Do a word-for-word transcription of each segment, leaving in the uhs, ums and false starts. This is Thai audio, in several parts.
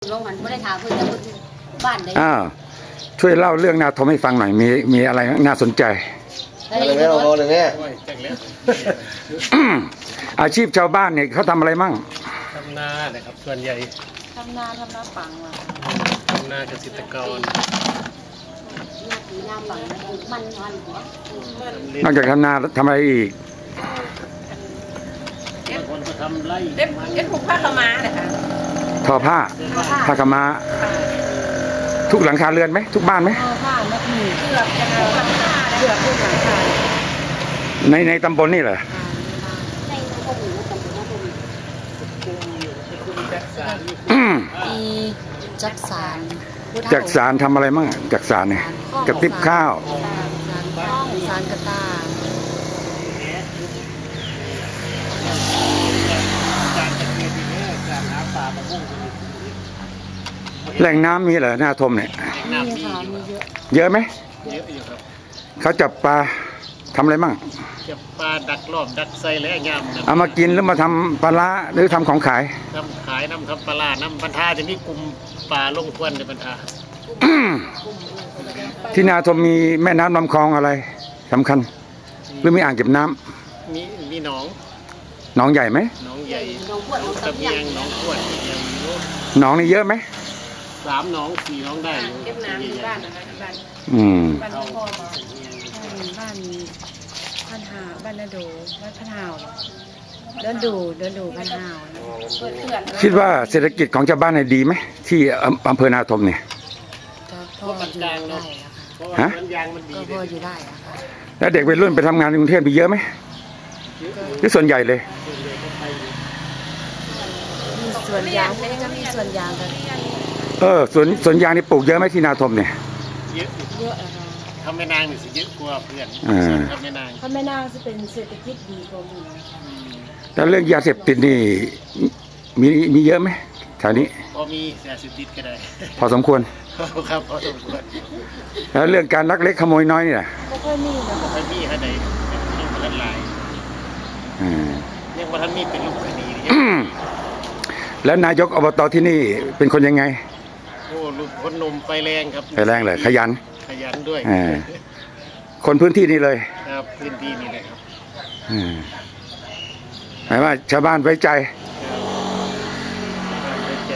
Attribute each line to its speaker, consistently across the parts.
Speaker 1: ลงหันไม่ได้ถามเพื่อนบ้านได้
Speaker 2: อ้าวช่วยเล่าเรื่องนาทมให้ฟังหน่อยมีมีอะไรน่าสนใจ
Speaker 3: อะไรเงี้ยเอาเลยเนี่ย
Speaker 2: อาชีพชาวบ้านเนี่ยเขาทำอะไรมั่ง
Speaker 4: ทำนาเนี่ยครับส่วนใหญ่
Speaker 1: ทำนาทำนาปังว่ะ
Speaker 4: ทำนาเกษตรกร
Speaker 1: นาปังมันมันหัวน
Speaker 2: อกจากทำนาทำอะไรอีก
Speaker 4: คนก็ทำไร่
Speaker 1: เอ็ดเอ็ดผูกผ้าขม้าเลยค่ะ
Speaker 2: ทอผ้าผ้าขม้าทุกหลังคาเรือนไหมทุกบ้านไหม
Speaker 1: ผ้าแล้วมีเชือกกันหลังคาเชือกทุกหลังคา
Speaker 2: ในในตำบลนี่เหรอ
Speaker 1: อีจักสาร
Speaker 2: จักสารทำอะไรมั่งจักสารเนี่ยกระติบข้าว
Speaker 1: สารกระตา
Speaker 2: แหล่งน้ำมีเหรอหน้าทมเนี่ย
Speaker 1: มีค่ะมีเยอะ
Speaker 2: เยอะไหม
Speaker 4: เยอะอยู่ครับ
Speaker 2: เขาจับปลาทำอะไรมั่ง
Speaker 4: จับปลาดักรอบดักไซและยำ
Speaker 2: เอามากินหรือมาทำปลาละหรือทำของขาย
Speaker 4: ทำขายน้ำทำปลาน้ำบรรทาจะมีกลุ่มปลาลงควันในบรรทา
Speaker 2: ที่นาทมมีแม่น้ำลำคลองอะไรสำคัญหรือมีอ่างเก็บน้
Speaker 4: ำมีมีหนอง
Speaker 2: หนองใหญ่ไหม
Speaker 4: หนองใหญ่ตะเบียงหนองขวด
Speaker 2: หนองนี่เยอะไหม
Speaker 4: สามหนองสี่หนองได้
Speaker 1: เก็บน้ำที่บ้านนะคะที่บ้าน
Speaker 2: อืม
Speaker 1: บ้านพ่อมาบ้านพันหาบ้านนาดูบ้านพันหาวเดินดูเดินดูพันหาว
Speaker 2: คิดว่าเศรษฐกิจของชาวบ้านเนี่ยดีไหมที่อำเภอนาทมเนี่ย
Speaker 1: ก็พออยู่ได้
Speaker 2: ฮะ
Speaker 1: ก็พออยู่ได้
Speaker 2: แล้วเด็กวัยรุ่นไปทำงานในกรุงเทพมีเยอะไหมที่ส่วนใหญ่เลย
Speaker 1: มีส่วนยางจะมีส่วนยางกัน
Speaker 2: เออสวนสวนยางนี่ปลูกเยอะไหมที่นาทมเนี่ย
Speaker 4: เยอะ
Speaker 1: เยอะอะ
Speaker 4: ค่ะทำแม่นางนี่สิเยอะกว่าเพื่อนทำแม่นาง
Speaker 1: ทำแม่นางจะเป็นเศรษฐกิจดีกว่ามี
Speaker 2: แล้วเรื่องยาเสพติดนี่มีมีเยอะไหมแถวนี้
Speaker 4: พอมียาเสพติดก็ได้
Speaker 2: พอสมควร
Speaker 4: ครับพอสมควร
Speaker 2: แล้วเรื่องการลักเล็กขโมยน้อยนี่แหละ
Speaker 1: ก็ค่อยมีนะ
Speaker 4: ค่อยมีขนาดไหนยังบ่ทันหลายยังบ่ทันมีเป็นลูกคดี
Speaker 2: แล้วนายกอบตที่นี่เป็นคนยังไง
Speaker 4: โอ้ลูกคนนมไฟแรงครับ
Speaker 2: ไฟแรงเลยขยัน
Speaker 4: ขยันด้วย
Speaker 2: คนพื้นที่นี่เลย
Speaker 4: ครับพื้นที่นี่เลยครับ
Speaker 2: หมายว่าชาวบ้านไว้ใจ
Speaker 4: ไว้ใจ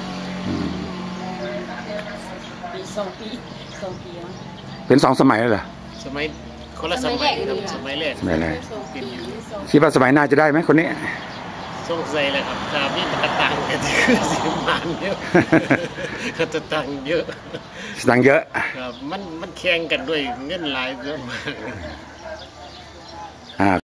Speaker 1: ปีสองปีสองปี
Speaker 2: เป็นสองสมัยแล้วเหรอ
Speaker 4: สมัยคนละสมัยครับสมัยแรก
Speaker 2: สมัยแรกคิดว่าสมัยหน้าจะได้ไหมคนนี้
Speaker 4: สงสัยเลยครับแต่มีมันตังค์กันคือสิมันเยอะเขาจะตังค์เยอะ
Speaker 2: ตังค์เยอะ
Speaker 4: ครับมันมันแข่งกันด้วยเงินหลายเยอะมาก